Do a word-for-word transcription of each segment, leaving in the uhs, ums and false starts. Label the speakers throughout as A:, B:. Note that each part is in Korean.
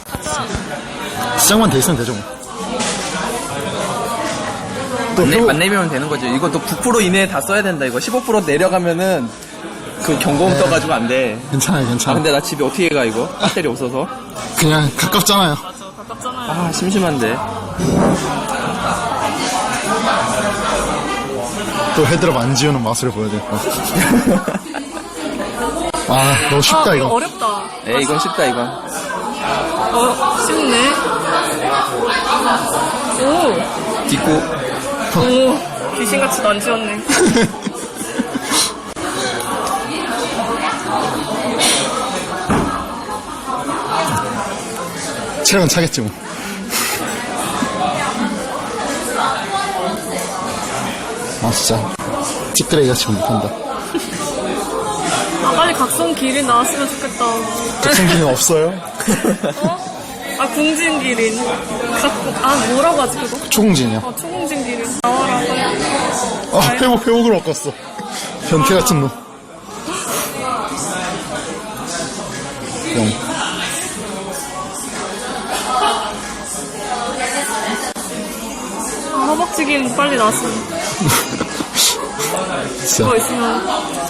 A: 시작만 돼 있으면 되죠 뭐.
B: 안, 내, 안 내면 되는 거지. 이거 또 구 퍼센트 이내에 다 써야 된다. 이거 십오 퍼센트 내려가면은 그 경고음
A: 네.
B: 떠가지고 안 돼.
A: 괜찮아요
B: 아
A: 괜찮아요.
B: 근데 나 집에 어떻게 가 이거? 배터리 없어서.
A: 그냥 가깝잖아요.
C: 맞아, 가깝잖아요.
B: 아 심심한데.
A: 또 헤드럽 안 지우는 맛을 보여드릴까. 아 너무 쉽다
C: 아,
A: 이거.
C: 어렵다.
B: 에 이건 쉽다 이건.
C: 어, 쉽네. 오,
B: 딛고
C: 오, 귀신같이 안 지웠네.
A: 체력은 차겠지 뭐. 아 진짜 찌끄레기 같이 못한다.
C: 아, 빨리 각성 기린 나왔으면 좋겠다.
A: 각성기는 없어요?
C: 어? 아, 궁진 기린. 각, 아, 뭐라고 하지, 그거?
A: 초공진이요.
C: 아, 초궁진 기린. 나와라, 빨리.
A: 아 회복 회복을 바꿨어. 변태 같은 놈. 영.
C: 아, 허벅지 기린 빨리 나왔으면.
A: 진짜.
C: 그거 있으면.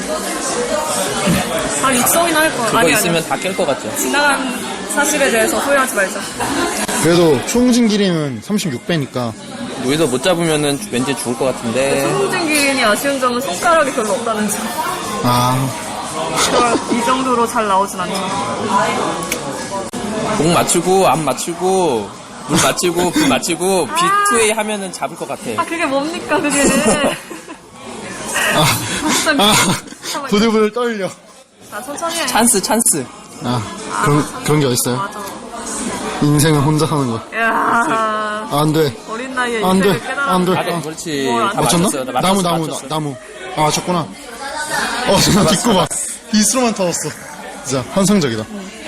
C: 아, 육성이나 할 거야.
B: 그거
C: 아니,
B: 있으면
C: 아니.
B: 다 깰 것 같죠.
C: 지나간 사실에 대해서 후회하지 말자.
A: 그래도 초공진 기림은 삼십육 배니까
B: 여기서 못 잡으면은 왠지 죽을 것 같은데.
C: 초궁진 기린이 아쉬운 점은 손가락이 별로 없다는 점.
A: 아
C: 그걸 이 정도로 잘 나오진 않죠.
B: 목 맞추고 앞 맞추고 물 맞추고 불 맞추고 비 투 에이 하면은 잡을 것 같아.
C: 아, 그게 뭡니까, 그게.
A: 아,
C: 진짜
A: 아,
C: 잠깐만요.
A: 부들부들 떨려.
C: 아, 천천히 해.
B: 찬스 찬스.
A: 아, 그런, 그런 게 어딨어요?
C: 맞아.
A: 인생은 혼자 사는 거.
C: 야
A: 아, 안 돼.
C: 어린 나이에
A: 안 돼.
C: 인생을 깨달아.
A: 안 돼.
B: 아, 네,
A: 아,
B: 그렇지.
C: 뭘 안
B: 다
A: 맞췄나?
B: 맞췄어요. 나
A: 나무,
B: 맞췄어,
A: 나무,
B: 맞췄어.
A: 나, 나무. 아, 맞췄구나. 어, 나 딛고 봐. 빗으로만 터졌어. 진짜, 환상적이다.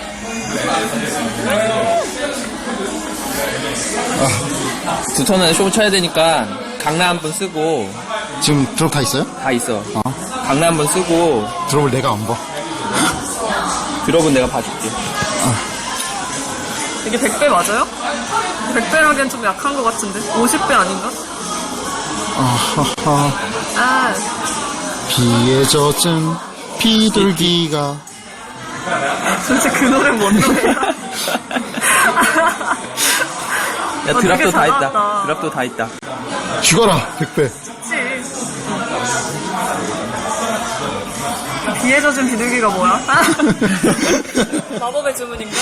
B: 두 턴은 쇼 쳐야 되니까 강남 한 번 쓰고
A: 지금 드롭 다 있어요?
B: 다 있어.
A: 어.
B: 강남 한 번 쓰고
A: 드롭을 내가 안 봐.
B: 드롭은 내가 봐줄게.
C: 이게 백 배 맞아요? 백 배라기엔 좀 약한 것 같은데? 오십 배 아닌가?
A: 아하하.
C: 아,
A: 비에 젖은 비둘기가.
C: 도대체 그 노래 뭔 노래야?
B: 야
C: 어,
B: 드랍도
C: 되게
B: 다
C: 잘
B: 있다.
C: 나왔다.
B: 드랍도 다 있다.
A: 죽어라, 백 배.
C: 그치. 비에 젖은 비둘기가 뭐야? 마법의 주문인가?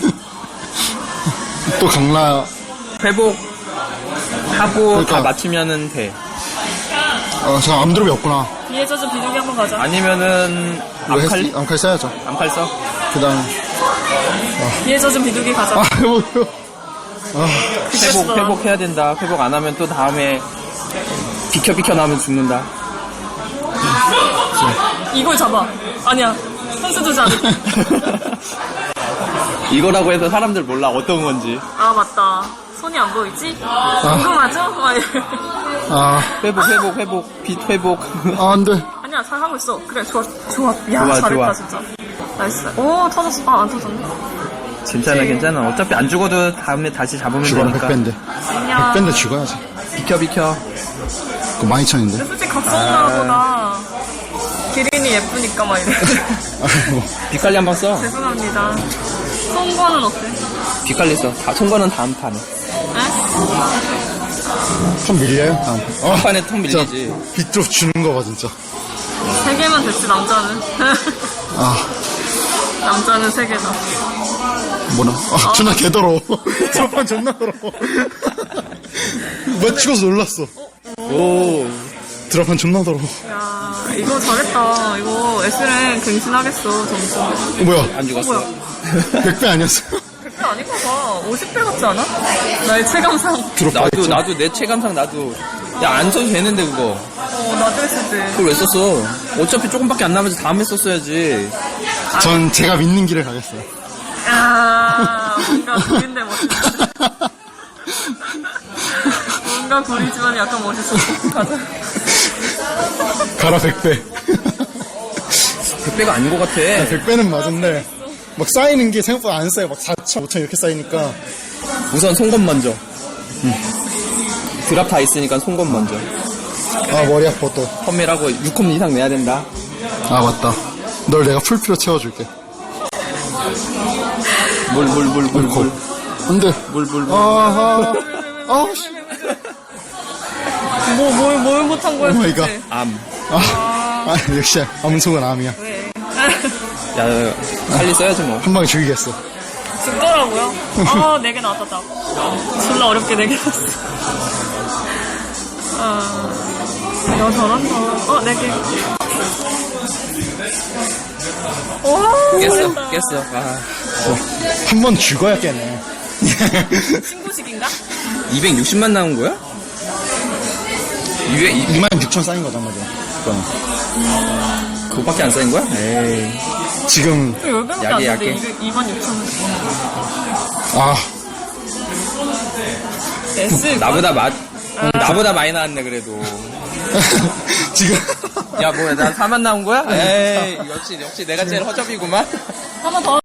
A: 또 강라,
B: 회복 하고
A: 그러니까.
B: 다 맞추면은 돼.
A: 어, 저 암드롭이 없구나.
C: 비에 젖은 비둘기 한번 가자.
B: 아니면은
A: 이거
B: 암칼
A: 했- 암칼 써야죠.
B: 암칼 써.
A: 그 다음,
C: 비에 젖은 비둘기 가자.
A: 아, 해보세요. 아,
B: 회복
C: 그랬어.
B: 회복해야 된다. 회복 안 하면 또 다음에 비켜 비켜 나오면 죽는다.
C: 이걸 잡아. 아니야. 선수 두지 않을게.
B: 이거라고 해서 사람들 몰라 어떤 건지.
C: 아, 맞다. 손이 안 보이지? 궁금하죠? 막 이래.
A: 아,
B: 회복 회복 회복 빛 회복.
A: 아, 안 돼.
C: 아니야, 잘 하고 있어. 그래, 좋아, 좋아. 야,
B: 좋아,
C: 잘했다,
B: 좋아.
C: 진짜. 나이스. 오, 터졌어. 아, 안 터졌네.
B: 괜찮아 괜찮아. 어차피 안 죽어도 다음에 다시 잡으면
A: 죽어라,
B: 되니까.
A: 백 배인데.
C: 안녕.
A: 백 배인데 죽어야지.
B: 비켜 비켜.
A: 그거 만 이천인데.
C: 솔직히 각성나보다 기린이 예쁘니까 막 이래.
A: 아이고.
B: 빛깔리 한번 써.
C: 죄송합니다. 송거는 어때?
B: 빛깔리 써. 다 통과는 다음 판에.
C: 에?
A: 좀 밀려요? 다음. 어,
B: 한 판에 통 밀리지.
A: 진짜 빗드롭 주는 거 봐, 진짜.
C: 세 개만 됐지, 남자는.
A: 아,
C: 남자는 세 개다.
A: 뭐나? 아, 존나 개더러워. 드롭판 존나 더러워. 맞추고서 놀랐어.
B: 오.
A: 드롭판 존나 더러워.
C: 야, 이거 잘했다. 이거 에스랭 갱신하겠어, 점수.
A: 어, 뭐야?
B: 안 죽었어.
C: 뭐야?
A: 백 배 아니었어요?
C: 백 배 아닌가 봐. 오십 배 같지 않아? 나의 체감상.
A: 드롭
B: 나도
A: 했죠?
B: 나도 내 체감상 나도. 야 안 써도 되는데 그거.
C: 어, 나도 했을 때.
B: 그걸 왜 썼어? 어차피 조금밖에 안 남아서 다음에 썼어야지.
A: 전 제가 믿는 길을 가겠어요.
C: 야, 뭔가 구린데 멋있어. 뭔가 구리지만 약간 멋있어. 가자.
A: 가라, 백 배.
B: 백 배가 아닌 것 같아.
A: 백 배는 맞은데, 막 쌓이는 게 생각보다 안 쌓여. 막 사천, 오천 이렇게 쌓이니까.
B: 우선 송건 먼저. 드랍 다 있으니까 송건 먼저.
A: 아, 머리 아파 또.
B: 펌밀하고 육 홈 이상 내야 된다.
A: 아, 맞다. 널 내가 풀피로 채워줄게.
B: 물, 물, 물, 물, 물.
A: 안 돼.
B: 물, 물, 물.
A: 아, 아, 아, 씨.
C: 뭐, 뭘, 뭘 못한 거야,
A: 오 마이
C: 도대체.
B: 암.
A: 아, 아, 역시 암송은 암이야.
C: 왜?
B: 야, 빨리 써야지 뭐.
A: 한 방에 죽이겠어.
C: 죽더라고요. 아, 네 개 나왔다, 딱. 졸라 어렵게 네 개 나왔어. 아, 야, 잘한다. 어, 네 개. 오,
B: 깼어,
C: 잘했다.
B: 깼어. 아,
A: 한 번 죽어야 깨네.
C: 신고식인가?
B: 이백육십만 나온 거야? 이백, 이,
A: 이만 육천 쌓인 거단 말이야. 그거는.
B: 그거밖에 안 쌓인 거야? 에이.
A: 지금,
C: 열 개밖에 안
B: 약해,
C: 되는데,
B: 약해.
C: 이만 육천 원.
A: 아,
C: S.
B: 나보다 마, 나보다 많이 나왔네, 그래도.
A: 지금.
B: 야, 뭐야, 나 사만 나온 거야? 에이, 역시, 역시 내가 제일 허접이구만.
C: 한번 더.